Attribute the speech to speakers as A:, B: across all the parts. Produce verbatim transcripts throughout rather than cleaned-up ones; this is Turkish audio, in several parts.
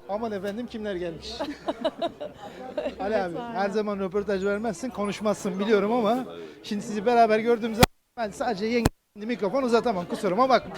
A: Aman efendim kimler gelmiş. Ali abi her zaman röportaj vermezsin, konuşmazsın biliyorum ama şimdi sizi beraber gördüğüm zaman ben sadece yenge mikrofon uzatamam, kusuruma bakma.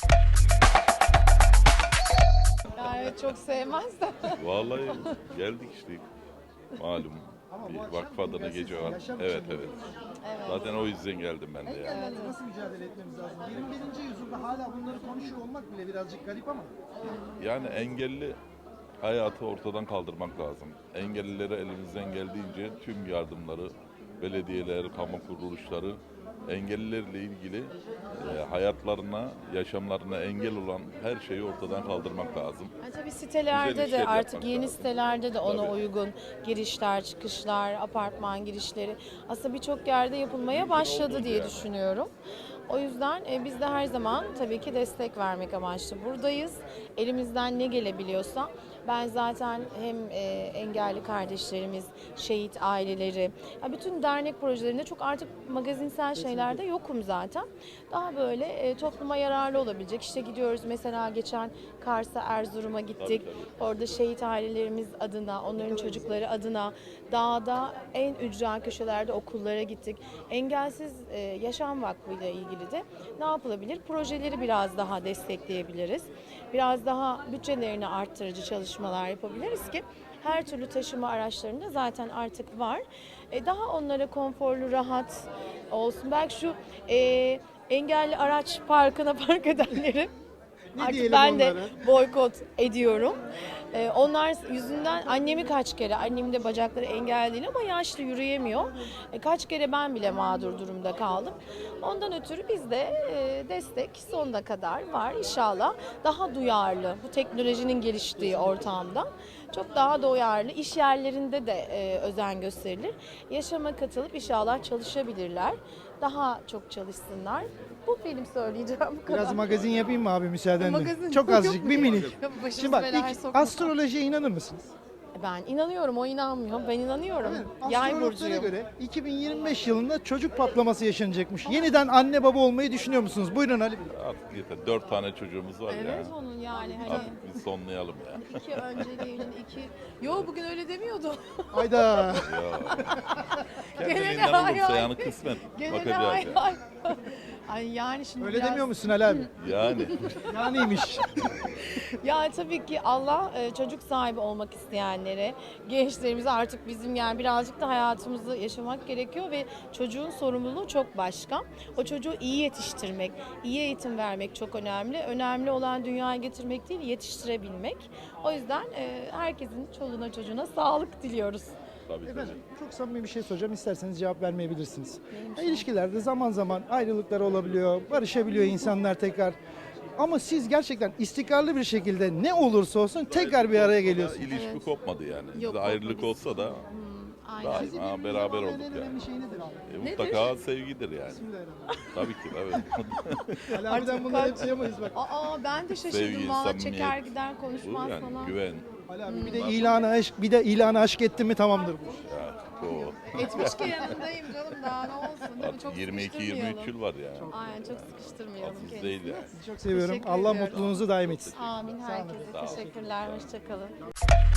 B: Yani çok sevmez de.
C: Vallahi geldik işte. Malum bir vakıf adına gece var. Evet evet. Zaten o yüzden geldim ben de yani.
A: Engellerle nasıl mücadele etmemiz lazım? yirmi birinci yüzyılda hala bunları konuşuyor olmak bile birazcık garip ama.
C: Yani engelli hayatı ortadan kaldırmak lazım. Engellilere elimizden geldiğince tüm yardımları, belediyeler, kamu kuruluşları engellilerle ilgili e, hayatlarına, yaşamlarına engel olan her şeyi ortadan kaldırmak lazım.
B: Yani tabii sitelerde
C: Güzel
B: de
C: işler
B: artık
C: yapmak
B: yeni
C: lazım.
B: sitelerde de ona
C: Tabii.
B: uygun girişler, çıkışlar, apartman girişleri aslında birçok yerde yapılmaya başladı
C: oldu
B: diye
C: yani.
B: düşünüyorum. O yüzden e, biz de her zaman tabii ki destek vermek amaçlı buradayız. Elimizden ne gelebiliyorsa ben zaten hem e, engelli kardeşlerimiz, şehit aileleri, ya bütün dernek projelerinde çok artık magazinsel şeylerde yokum zaten. Daha böyle e, topluma yararlı olabilecek. İşte gidiyoruz mesela geçen Kars'a, Erzurum'a gittik.
C: Tabii, tabii.
B: Orada şehit ailelerimiz adına, onların çocukları adına dağda en ücra köşelerde okullara gittik. Engelsiz e, Yaşam Vakfı ile ilgili de ne yapılabilir? Projeleri biraz daha destekleyebiliriz. Biraz daha bütçelerini arttırıcı çalışmalar yapabiliriz ki her türlü taşıma araçlarında zaten artık var. E, daha onlara konforlu, rahat olsun. Belki şu e, engelli araç parkına park edenleri
A: Ne
B: artık
A: diyelim
B: ben de
A: onlara?
B: boykot ediyorum. Ee, onlar yüzünden annemi kaç kere, annemin de bacakları engelli değil ama yaşlı yürüyemiyor. E, kaç kere ben bile mağdur durumda kaldım. Ondan ötürü bizde e, destek sonuna kadar var inşallah. Daha duyarlı bu teknolojinin geliştiği ortamda. Çok daha duyarlı iş yerlerinde de e, özen gösterilir. Yaşama katılıp inşallah çalışabilirler. Daha çok çalışsınlar. Bu benim söyleyeceğim bu kadar.
A: Biraz magazin yapayım mı abi müsaadenle?
B: Magazin
A: Çok
B: yok
A: azıcık
B: mu
A: bir
B: ya?
A: minik.
B: Yok, başımızı
A: Şimdi bak
B: belaya
A: ilk
B: sokma.
A: astrolojiye inanır mısınız?
B: Ben inanıyorum, o inanmıyor. Ben inanıyorum. Yay
A: Astrologlara
B: burcuyum.
A: göre iki bin yirmi beş yılında çocuk patlaması yaşanacakmış. Yeniden anne baba olmayı düşünüyor musunuz? Buyurun Ali Bey.
C: Artık yeter. Dört tane çocuğumuz var
B: Evet
C: ya.
B: onun yani hani
C: Artık biz sonlayalım ya.
B: iki önceliğinin iki. Yo bugün öyle demiyordu.
A: Hayda.
C: Ya.
B: Gene de
C: Kendiliğinden
B: hay
C: olursa
B: hay.
C: yani kısmet.
B: Gene de
C: Bakacağız
B: hay
C: yani.
B: hay. Ay yani şimdi
A: Öyle
B: biraz...
A: demiyor musun Ali abi?
C: Yani.
A: Yaniymiş.
B: Ya tabii ki Allah e, çocuk sahibi olmak isteyenlere, gençlerimize artık bizim yani birazcık da hayatımızı yaşamak gerekiyor ve çocuğun sorumluluğu çok başka. O çocuğu iyi yetiştirmek, iyi eğitim vermek çok önemli. Önemli olan dünyaya getirmek değil, yetiştirebilmek. O yüzden e, herkesin çoluğuna çocuğuna sağlık diliyoruz.
C: Tabii tabii.
A: Efendim çok samimi bir şey soracağım. İsterseniz cevap vermeyebilirsiniz. Ya, İlişkilerde zaman zaman ayrılıklar olabiliyor, barışabiliyor insanlar tekrar. Ama siz gerçekten istikrarlı bir şekilde ne olursa olsun tekrar bir araya geliyorsunuz.
C: İlişki
B: Evet.
C: kopmadı yani.
B: Yok,
C: Bizde ayrılık
B: kopmadı.
C: olsa da
B: Aynen.
C: Daima
A: Sizi birbirinize
C: beraber
A: bağlayan
C: olduk
A: en
C: yani.
A: önemli şey nedir abi?
C: E,
B: Nedir?
C: mutlaka sevgidir yani.
A: Bismillahirrahmanirrahim.
C: Tabii ki tabii.
A: Ali abiden bunları hep duyamayız bak.
B: Aa ben de şaşırdım
C: Sevgi,
B: valla,
C: samimiyet.
B: çeker gider
C: Bu
B: konuşmaz
C: yani
B: falan.
C: güven.
A: Ali abi bir de ilanı aşk, bir de ilanı aşk etti mi tamamdır bu.
C: Ya, o.
B: Etmiş ki yanındayım canım, daha ne olsun değil mi? Çok
C: Artık yirmi iki yirmi üç
B: sıkıştırmayalım.
C: yıl var yani.
B: Aynen çok sıkıştırmayalım
C: Az
B: kendisini.
C: değil yani.
A: Çok seviyorum.
B: Teşekkür
A: Allah
B: ediyorum.
A: mutluluğunuzu daim etsin.
B: Amin
C: Sağ
B: herkese.
C: olun.
B: Teşekkürler. Hoşçakalın.